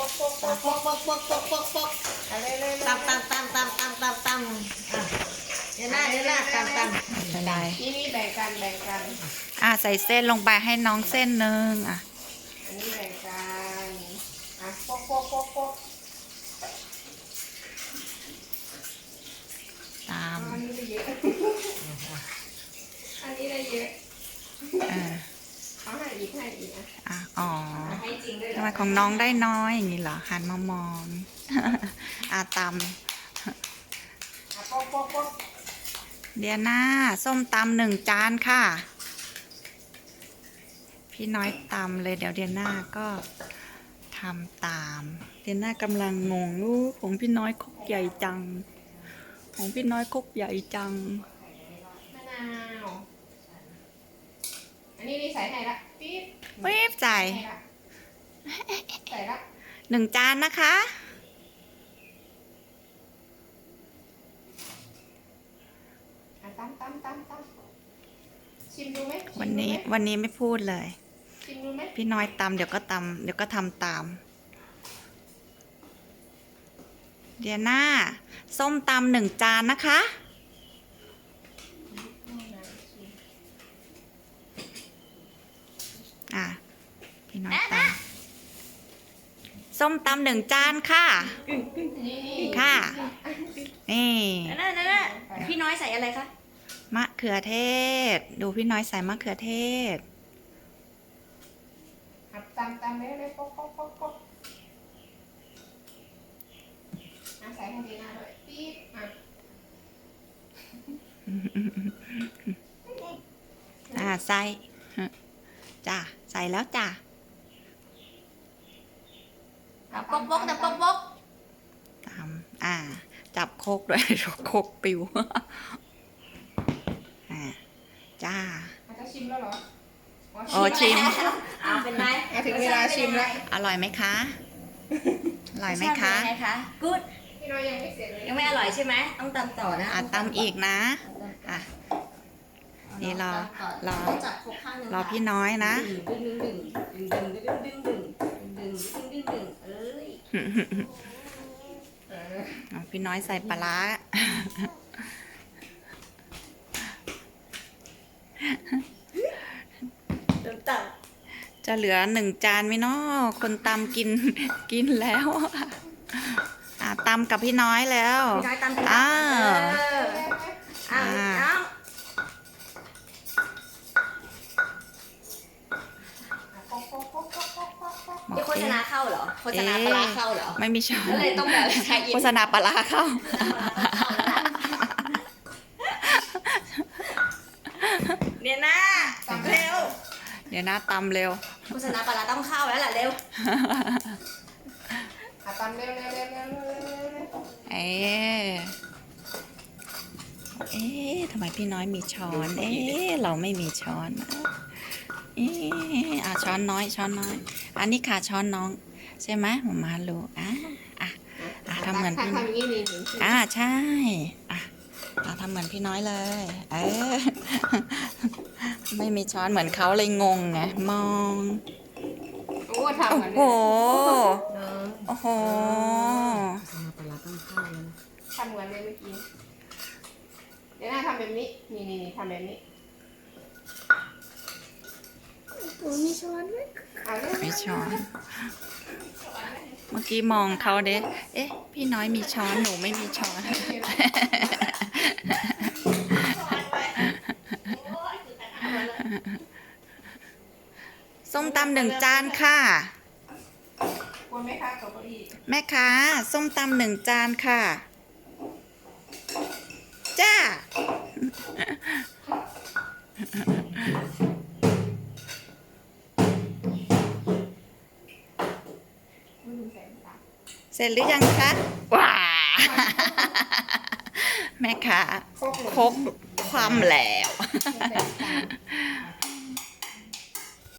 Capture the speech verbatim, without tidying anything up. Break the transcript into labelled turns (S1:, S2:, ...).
S1: ปกปกปกปกปกปกปกปกอะไรเลยตำตำตำตำตำตำตำเดี๋ยวหน้าเดี๋ยวหน้าตำตำ
S2: เป็นไร
S1: นี่นี่แบ่งกันแบ่งกัน
S2: อ่ะใส่เส้นลงไปให้น้องเส้นหนึ่งอ่ะ
S1: อันนี้แบ่งกันอ่ะปกปกปกปก
S2: ตาม
S1: อันนี้ได้เยอะอันนี้ได้เยอะ
S2: เออ
S1: เขาให้อีกให้อีกอ่ะ
S2: อ่ะอ๋อ
S1: ให้จริงด้วย
S2: ทำไมของน้องได้น้อยอย่างนี้เหรอหันมามอง อ่ะต
S1: อ่ะปกปกปก
S2: ำเดียน่าส้มตำหนึ่งจานค่ะ พี่น้อยตำเลยเดี๋ยวเดียน่าก็ทำตาม เดียน่ากำลังงงลูกของพี่น้อยคกใหญ่จัง ของพี่น้อยคกใหญ่จัง
S1: มะนาวอันนี้นี่ใส่ให้ละปี๊บ
S2: เวฟใส่
S1: ให้ละใส่ละ
S2: หนึ่งจานนะคะ
S1: อ่ะตำตำตำตำชิมดูไหมชิมดูไหม
S2: วันนี้วันนี้ไม่พูดเลย
S1: ชิมดูไหม
S2: พี่น้อยตำเดี๋ยวก็ตำเดี๋ยวก็ทำตาม เดียน่าส้มตำหนึ่งจานนะคะ อ่ะ พี่น้อยตำส้มตำหนึ่งจานค่ะ
S1: นี่
S2: ค่ะ นี่
S3: นั่นนั่นนั่นพี่น้อยใส่อะไรคะ
S2: มะเขือเทศ ดูพี่น้อยใส่มะเขือเทศ
S1: อ่ะตำตำเลยเลยปกปกปกปกอ่ะใส่ให้ดีหน้าด้วยปี๊บอ่ะ
S2: อ่าใส่จ้ะใส่แล้วจ้ะ
S3: แต่ปกปกแต่ปกปก
S2: ตามอ่า จับโคกด้วย โคกปิว อ่าจ้า
S1: อาจจะชิมแล้วเหรอ
S2: โอ้ชิม
S3: เอาเป็นไร
S1: อ่ะถึงเวลาชิมแล้ว
S2: อร่อยไหมคะ อร่อยไหมคะ
S3: รสชาติเป็นไงคะกู๊ด
S1: พี่น้อยยังไม่เสร็จเลย
S3: ยังไม่อร่อยใช่ไหมต้องตำต่อนะ
S2: อ่ะตำอีกนะ อ่ะ นี่รอรอ
S3: จับครบข้างหนึง
S2: รอพี่น้อยนะ
S3: ดึงดึงดึงดึงดึงดึงดึงดึงดึงดึงดึงดึงดึงเอ้ย
S1: เออ
S2: เอาพี่น้อยใส่ปลาร้า
S3: ตำต่อ
S2: จะเหลือหนึ่งจานไหมเนาะคนตำกิน กินแล้ว อ่ะตำกับพี่น้อยแล้ว
S3: พี่น้อยตำ
S2: อ้า
S3: เอ
S2: ว
S3: อเอาเอา
S1: ปกปกปกปกปกปกปก
S3: นี่โฆษณาเข้าเหรอโฆษณาปลาร้าเข้าเหรอ
S2: ไม่มีช้อน
S3: ก็เลยต้องแบบใช้อิน
S2: โฆษณาปลาร้าเข้า
S3: เนี่ยนะเร็ว
S2: เดี๋ยวนะตำเร็ว
S3: โฆษณาปลาร้าต้องเข้าแล้วล่ะเร็ว
S1: อ่ะตำเร็วเร็วเร็วเร็วเร็วเร็วเร็ว
S2: เอ๊ะเอ๊ะทำไมพี่น้อยมีช้อน เอ๊ะเราไม่มีช้อนนะเอ๊ะอ่ะช้อนน้อย ช้อนน้อย อันนี้ค่ะช้อนน้อง ใช่ไหมหมามาลูกอ่ะอ่ะอ่ะทำเหมือนพี่น้อย
S1: ทำอย่างนี้นี่ถึงชิม
S2: อ่าใช่อ่ะอ่ะทำเหมือนพี่น้อยเลย เออ ไม่มีช้อนเหมือนเขาเลยงงไงมอง
S1: โอ้ทำ
S2: โอ้
S1: เหมือน
S2: โห
S1: เนอะ
S2: โอ้โห
S1: ทำเหมือนเลยเมื่อกี้เดี๋ยวหน้าทำแบบนี้ นี่นี่นี่ทำแบบนี้โอ้มีช้อนไหมเอาเร็ว
S2: มีช้อน เมื่อกี้มองเขาเด้เอ๊ะ พี่น้อยมีช้อน หนูไม่มีช้อน ส้มตำหนึ่งจานค่ะ
S1: ควรไหมคะกับเก้าอี้
S2: แม่ค้าส้มตำหนึ่งจานค่ะ จ้า
S1: ไม่ลืมใส่น้ำตาล
S2: เสร็จหรือยังคะว้า แม่ค้า
S1: โคกหมด
S2: ครกความแล้ว
S1: ใส่น้ำตาล